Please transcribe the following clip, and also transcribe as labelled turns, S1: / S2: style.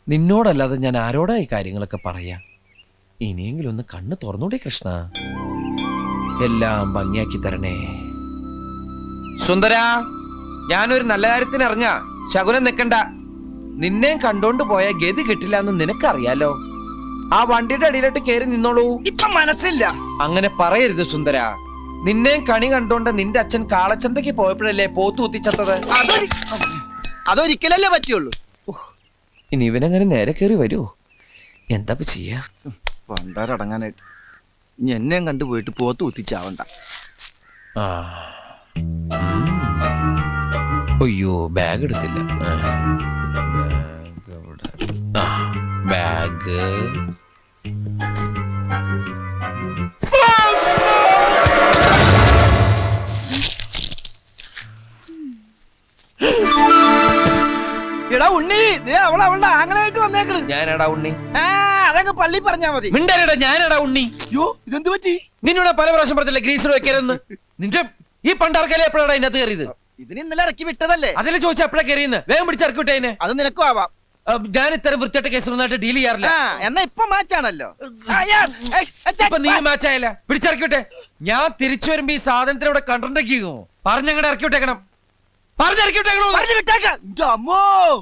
S1: നിന്നോടല്ലാതെ ഞാൻ ആരോടാ ഈ കാര്യങ്ങളൊക്കെ പറയാ? ഇനിയെങ്കിലും ഒന്ന് കണ്ണ് തുറന്നൂടെ കൃഷ്ണ? എല്ലാം ഭംഗിയാക്കി തരണേ. സുന്ദര, ഞാനൊരു നല്ല കാര്യത്തിന് ഇറങ്ങാ. ശകുനം നിക്കണ്ട. നിന്നെ കണ്ടോണ്ട് പോയ ഗതി കിട്ടില്ല എന്ന് നിനക്കറിയാലോ. ആ വണ്ടിയുടെ അടിയിലോട്ട് കയറി നിന്നോളൂ.
S2: ഇപ്പൊ മനസ്സില്ല.
S1: അങ്ങനെ പറയരുത് സുന്ദര. നിന്നെ കണി കണ്ടോണ്ട് നിന്റെ അച്ഛൻ കാളച്ചന്തയ്ക്ക് പോയപ്പോഴല്ലേ പോത്തു കുത്തിച്ചത്തത്?
S2: അതൊരിക്കലല്ലേ പറ്റുള്ളൂ.
S1: ഇനി ഇവനങ്ങനെ നേരെ കയറി വരുമോ? എന്താ ചെയ്യാ?
S2: പണ്ടാരടങ്ങാനായിട്ട് ഇനി എന്നെയും കണ്ടുപോയിട്ട് പോത്ത് കുത്തിച്ചാവണ്ട.
S1: ആ. അയ്യോ, ബാഗ് എടുത്തില്ല. ബാഗ്
S2: എടാ ഉണ്ണി, അവളുടെ ആങ്ങളായിട്ട് വന്നേക്കണ്.
S1: ഞാനടാ ഉണ്ണി.
S2: അതങ്ങ് പള്ളി പറഞ്ഞാ മതി.
S1: മിണ്ടരടാ, ഞാനടാ ഉണ്ണി.
S2: അയ്യോ, ഇതെന്ത് പറ്റി?
S1: നിന്നോട് പല പ്രാവശ്യം പറഞ്ഞില്ല ഗ്രീസർ വെക്കരുതെന്ന്. നിന്റെ ഈ പണ്ടാർക്കല്ലേ എപ്പോഴാണ് ഇതിനകത്ത് കയറിയത്?
S2: ഇതിന് ഇന്നലെ ഇറക്കി വിട്ടതല്ലേ.
S1: അതിൽ ചോദിച്ചാൽ എപ്പോഴാ കയറിയെന്ന്? വേഗം പിടിച്ചിറക്കി വിട്ടേനെ.
S2: അത് നിനക്കും ആവാം.
S1: ഞാൻ ഇത്തരം വൃത്തിയായിട്ട് കേസൊന്നായിട്ട് ഡീൽ ചെയ്യാറില്ല.
S2: എന്നാ ഇപ്പൊ മാച്ചാണല്ലോ.
S1: ഇപ്പൊ നീ മാച്ചായല്ല. പിടിച്ചിറക്കി വിട്ടെ. ഞാൻ തിരിച്ചു വരുമ്പോ ഈ സാധനത്തിന് ഇവിടെ കണ്ടിട്ടുണ്ടെങ്കിലോ പറഞ്ഞങ്ങടെ ഇറക്കി വിട്ടേക്കണം. പറഞ്ഞിറക്കി വിട്ടേക്കണോ?
S2: പറഞ്ഞു വിട്ടേക്കാം.